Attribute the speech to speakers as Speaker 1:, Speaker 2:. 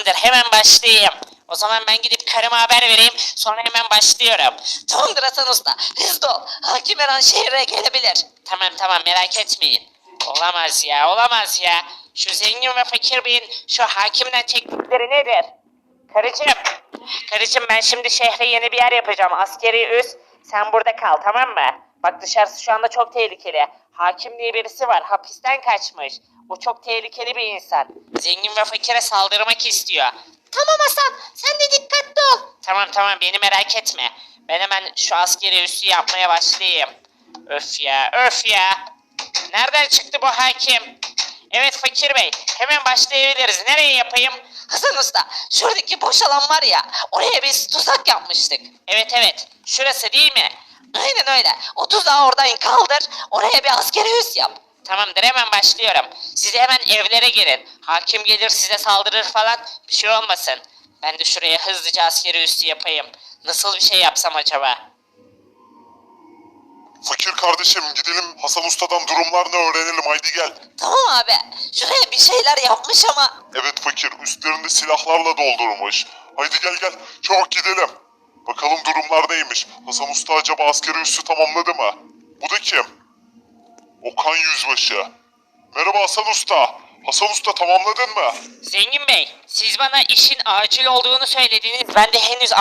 Speaker 1: Tamamdır, hemen başlayayım. O zaman ben gidip karıma haber vereyim, sonra hemen başlıyorum.
Speaker 2: Tamamdır Hasan Usta. Hızlı ol. Hakim her an şehre gelebilir.
Speaker 1: Tamam, merak etmeyin. Olamaz ya, olamaz ya. Şu zengin ve fakir beyin şu hakimden çektikleri nedir? Karıcığım ben şimdi şehre yeni bir yer yapacağım. Askeri üs. Sen burada kal, tamam mı? Bak dışarısı şu anda çok tehlikeli. Hakim diye birisi var, hapisten kaçmış. O çok tehlikeli bir insan. Zengin ve fakire saldırmak istiyor.
Speaker 2: Tamam Hasan. Sen de dikkatli ol.
Speaker 1: Tamam, beni merak etme. Ben hemen şu askeri üssü yapmaya başlayayım. Öf ya. Nereden çıktı bu hakim? Evet fakir bey, hemen başlayabiliriz. Nereye yapayım?
Speaker 2: Hasan Usta. Şuradaki boş alan var ya. Oraya biz tuzak yapmıştık.
Speaker 1: Evet, şurası değil mi?
Speaker 2: Aynen öyle. O tuzağı oradan kaldır. Oraya bir askeri üs yap.
Speaker 1: Tamamdır, hemen başlıyorum. Siz hemen evlere girin. Hakim gelir size saldırır falan, bir şey olmasın. Ben de şuraya hızlıca askeri üssü yapayım. Nasıl bir şey yapsam acaba?
Speaker 3: Fakir kardeşim gidelim Hasan Usta'dan durumlarını öğrenelim haydi gel.
Speaker 2: Tamam abi. Şuraya bir şeyler yapmış ama.
Speaker 3: Evet fakir üstlerini silahlarla doldurmuş. Haydi gel çabuk gidelim. Bakalım durumlar neymiş. Hasan Usta acaba askeri üssü tamamladı mı? Bu da kim? Okan Yüzbaşı. Merhaba Hasan Usta. Hasan Usta tamamladın mı?
Speaker 1: Zengin bey, siz bana işin acil olduğunu söylediniz. Ben de henüz